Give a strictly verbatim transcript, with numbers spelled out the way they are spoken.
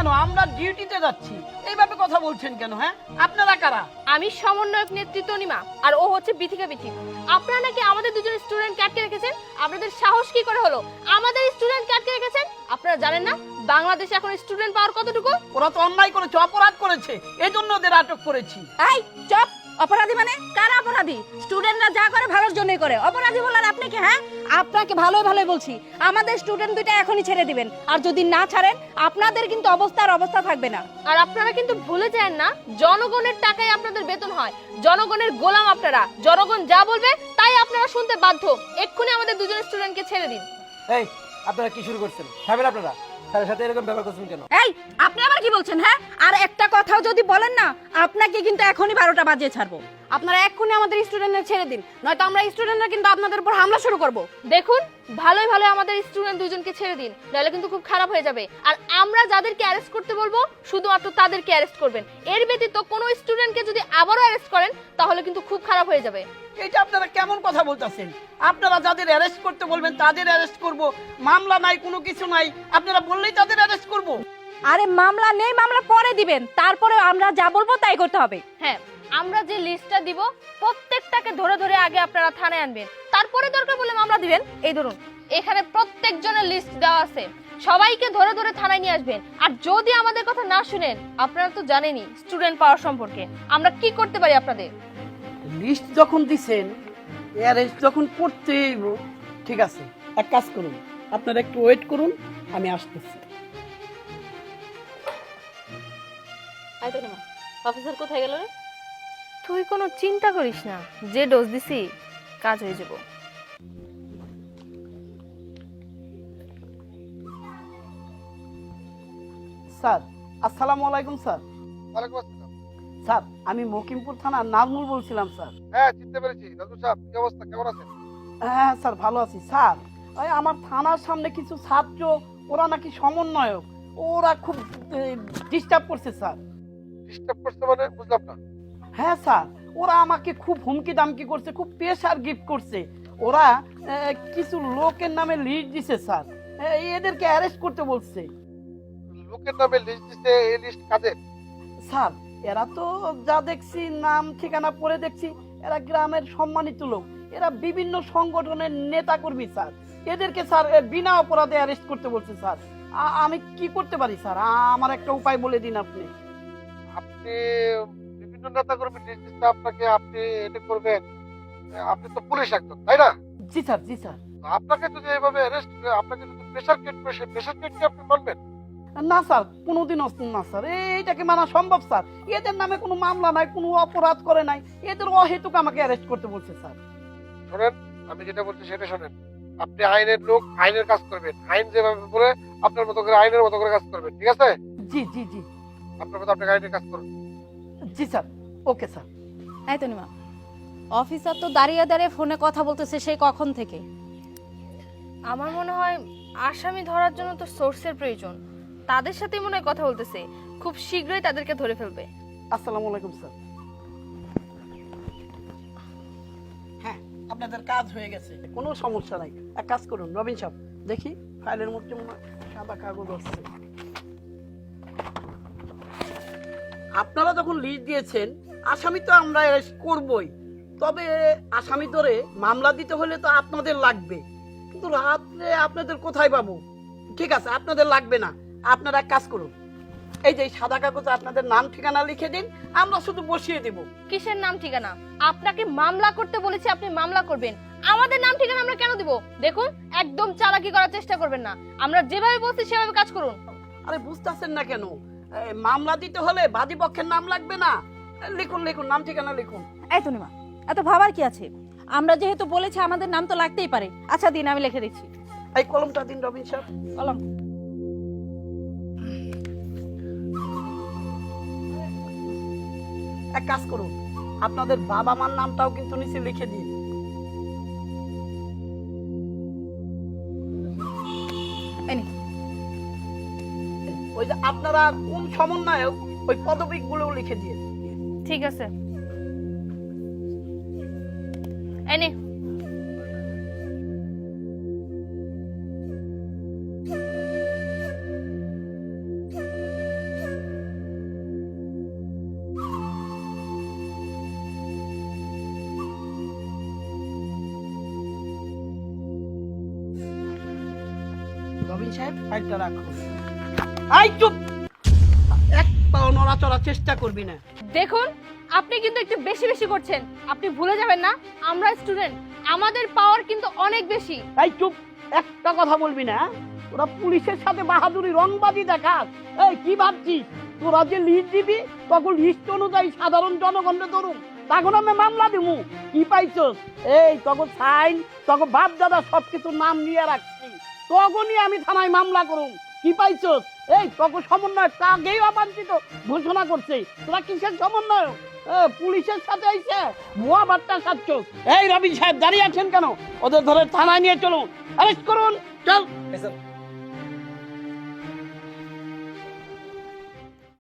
কেন? আমরা ডিউটিতে যাচ্ছি, এইভাবে কথা বলছেন কেন? হ্যাঁ, আপনারা কারা? আমি সমন্বয়ক নেতৃত্ব নিমা, আর ও হচ্ছে বিথিকা বিথি। আপনারা নাকি আমাদের দুজন স্টুডেন্ট আটকে রেখেছেন। আপনাদের সাহস কি করে হলো আমাদের স্টুডেন্ট আটকে রেখেছেন? আপনারা জানেন না বাংলাদেশে এখন স্টুডেন্ট পাওয়ার কতটুকু? ওরা তো অন্যায় করেছে, অপরাধ করেছে, এই জন্য ওদের আটক করেছি। এই চুপ! অপরাধী মানে কারা অপরাধী? স্টুডেন্টরা যা করে ভালোর জন্যই করে। অপরাধী বলার আপনি কি? হ্যাঁ, আপনাকে ভালোই ভালোই বলছি, আমাদের স্টুডেন্ট দুইটা এখনই ছেড়ে দিবেন, আর যদি না ছাড়েন আপনাদের কিন্তু অবস্থার অবস্থা থাকবে না। আর আপনারা কিন্তু ভুলে যান না, জনগণের টাকায় আপনাদের বেতন হয়, জনগণের গোলাম আপনারা। জনগণ যা বলবে তাই আপনারা শুনতে বাধ্য। এক্ষুনি আমাদের দুজন স্টুডেন্টকে ছেড়ে দিন। এই আপনারা কি শুরু করছেন? থামেন আপনারা, স্যারের সাথে এরকম ব্যবহার করছেন কেন? এই আপনি আবার কি বলছেন? হ্যাঁ, আর একটা কথাও যদি বলেন না, আপনাকে কিন্তু এখনই বারোটা বাজিয়ে ছাড়বো। আপনারা এক্ষুনি আমাদের স্টুডেন্টদের ছেড়ে দিন, নয়তো আমরা স্টুডেন্টরা কিন্তু আপনাদের উপর হামলা শুরু করব। দেখুন, ভালোই ভালো আমাদের স্টুডেন্ট দুজনকে ছেড়ে দিন, নাহলে কিন্তু খুব খারাপ হয়ে যাবে। আর আমরা যাদেরকে অ্যারেস্ট করতে বলবো শুধুমাত্র তাদেরকে অ্যারেস্ট করবেন। এর ব্যতীত কোনো স্টুডেন্টকে যদি আবারও অ্যারেস্ট করেন তাহলে কিন্তু খুব খারাপ হয়ে যাবে। এটা আপনারা কেমন কথা বলতেছেন? আপনারা যাদের অ্যারেস্ট করতে বলবেন তাদের অ্যারেস্ট করব, মামলা নাই, কোনো কিছু নাই, আপনারা বললেই তাদের অ্যারেস্ট করব। আরে মামলা নেই, মামলা পরে দিবেন, তারপরে আমরা যা বলবো তাই করতে হবে। হ্যাঁ, আমরা যে লিস্টটা দিব প্রত্যেকটাকে ধরে ধরে আগে আপনারা থানায় আনবেন, তারপরে দরকার বলে মামলা দিবেন। এই ধরুন, এখানে প্রত্যেকজনের লিস্ট দেওয়া আছে, সবাইকে ধরে ধরে থানায় নিয়ে আসবেন। আর যদি আমাদের কথা না শুনেন, আপনারা তো জানেনই স্টুডেন্ট পাওয়ার সম্পর্কে, আমরা কি করতে পারি আপনাদের। লিস্ট যখন দিছেন, অ্যারেস্ট যখন করতেই, ঠিক আছে, এক কাজ করুন, আপনারা একটু ওয়েট করুন, আমি আসতেছি। অফিসার কোথায় গেল রে? তুই কোনো চিন্তা করিস না, যে ডোজ দিছি কাজ হয়ে যাব। স্যার, আসসালামু আলাইকুম স্যার। ওয়ালাইকুম আসসালাম। স্যার, আমি মকিমপুর থানার নাজমুল বলছিলাম স্যার। হ্যাঁ, চিনতে পেরেছি। নাজমুল সাহেব, কি অবস্থা, কেমন আছেন? হ্যাঁ স্যার, ভালো আছি স্যার। ওই আমার থানার সামনে কিছু ছাত্র, ওরা নাকি সমন্বয়ক, ওরা খুব ডিস্টার্ব করছে স্যার। ডিস্টার্ব করছে মানে বুঝলাম না। হ্যাঁ স্যার, ওরা আমাকে খুব হুমকি দামকি করছে, খুব প্রেশার গিফট করছে। ওরা আহ, কিছু লোকের নামে লিস্ট দিছে স্যার, আহ, এদেরকে অ্যারেস্ট করতে বলছে। লোকের নামে লিস্ট দিতে, এই লিস্ট কাদের? স্যার, এরা তো যা দেখছি, নাম ঠিকানা পড়ে দেখছি, এরা গ্রামের সম্মানিত লোক, এরা বিভিন্ন সংগঠনের নেতা কর্মী স্যার। এদেরকে স্যার এ, বিনা অপরাধে অ্যারেস্ট করতে বলছে স্যার। আ- আমি কি করতে পারি স্যার? আ- আমার একটা উপায় বলে দিন আপনি। আপনি বিভিন্ন নেতা কর্মী লিস্ট দিতে আপনাকে, আপনি এটা করবেন? আপনি তো পুলিশ একজন, তাই না? জি স্যার, জি স্যার। আপনাকে যদি এইভাবে অ্যারেস্ট, আপনাকে যদি প্রেশার ক্রিয়েট করে, সেই প্রেশার ক্রিয়েটকে আপনি মানবেন? না স্যার, কোনোদিনও না স্যার, এইটাকে মানা সম্ভব স্যার? এদের নামে কোনো মামলা নাই, কোনো অপরাধ করে নাই, এদের অহেতুক আমাকে অ্যারেস্ট করতে বলছে স্যার। শোনেন, আমি যেটা বলছি সেটা শোনেন। আপনি আইনের লোক, আইনের কাজ করবেন, আইন যেভাবে বলে আপনার মতো করে আইনের মতো করে কাজ করবেন, ঠিক আছে? জি জি জি আপনার মতো আপনাকে আইনের কাজ করুন। জি স্যার, ওকে স্যার। এই তো নিমা, অফিসার তো দাঁড়িয়ে দাঁড়িয়ে ফোনে কথা বলতেছে সেই কখন থেকে। আমার মনে হয় আসামি ধরার জন্য তো সোর্সের প্রয়োজন, তাদের সাথে মনে হয় কথা বলতেছে, খুব শীঘ্রই তাদেরকে ধরে ফেলবে। আসসালামু আলাইকুম স্যার। হ্যাঁ, আপনাদের কাজ হয়ে গেছে, কোনো সমস্যা নাই। এক কাজ করুন রবিন সাহেব, দেখি ফাইলের মধ্যে মনে হয় সাদা কাগজ আছে। আপনারা যখন লিস্ট দিয়েছেন, আসামি তো আমরা অ্যারেস্ট করবই, তবে আসামি ধরে মামলা দিতে হলে তো আপনাদের লাগবে, কিন্তু রাত্রে আপনাদের কোথায় পাবো? ঠিক আছে, আপনাদের লাগবে না, আপনারা এক কাজ করুন, এই যে সাদা কাগজে আপনাদের নাম ঠিকানা লিখে দিন, আমরা শুধু বসিয়ে দেব। কিসের নাম ঠিকানা? আপনাকে মামলা করতে বলেছি, আপনি মামলা করবেন, আমাদের নাম ঠিকানা আমরা কেন দিব? দেখুন, একদম চালাকি করার চেষ্টা করবেন না, আমরা যেভাবে বলছি সেভাবে কাজ করুন। আরে বুঝতেছেন না কেন? এই মামলা দিতে হলে বাদী পক্ষের নাম লাগবে না? লিখুন লিখুন, নাম ঠিকানা লিখুন। এই তো নিমা, এত ভাবার কি আছে? আমরা যেহেতু বলেছি আমাদের নাম তো লাগতেই পারে। আচ্ছা দিন, আমি লিখে দিচ্ছি। এই কলমটা দিন রবিন সাহেব। কলম। এক কাজ করুন, আপনাদের বাবা মার নামটাও কিন্তু নিচে লিখে দিন। ওই যে আপনারা কোন সমন্বয়ক, ওই পদবিক গুলো লিখে দিয়ে। ঠিক আছে, এনে রবিন সাহেব ফাইলটা রাখুন। আই চুপ, এক পাও নড়াচড়ার চেষ্টা করবি না। দেখুন আপনি কিন্তু একটু বেশি বেশি করছেন। আপনি ভুলে যাবেন না আমরা স্টুডেন্ট, আমাদের পাওয়ার কিন্তু অনেক বেশি। এই চুপ, একটা কথা বলবি না। তোরা পুলিশের সাথে বাহাদুরি রংবাজি দেখাস। এই কি ভাবছিস তোরা যে লিস্ট দিবি তখন লিস্ট অনুযায়ী সাধারণ জনগণকে ধরুন, তখন আমি মামলা দিমু। কি পাইছস? এই তখন সাইন তখন বাপ দাদা সবকিছু নাম নিয়ে রাখছি, তখনই আমি থানায় মামলা করুম। কি পাইছস? এই তখন সমন্বয় তাকেই অবাঞ্ছিত ঘোষণা করছে। তোরা কিসের সমন্বয়? পুলিশের সাথে আইছে ভুয়া বার্তা সাচ্ছ। এই রবিন সাহেব দাঁড়িয়ে আছেন কেন? ওদের ধরে থানায় নিয়ে চলুন, অ্যারেস্ট করুন। চল।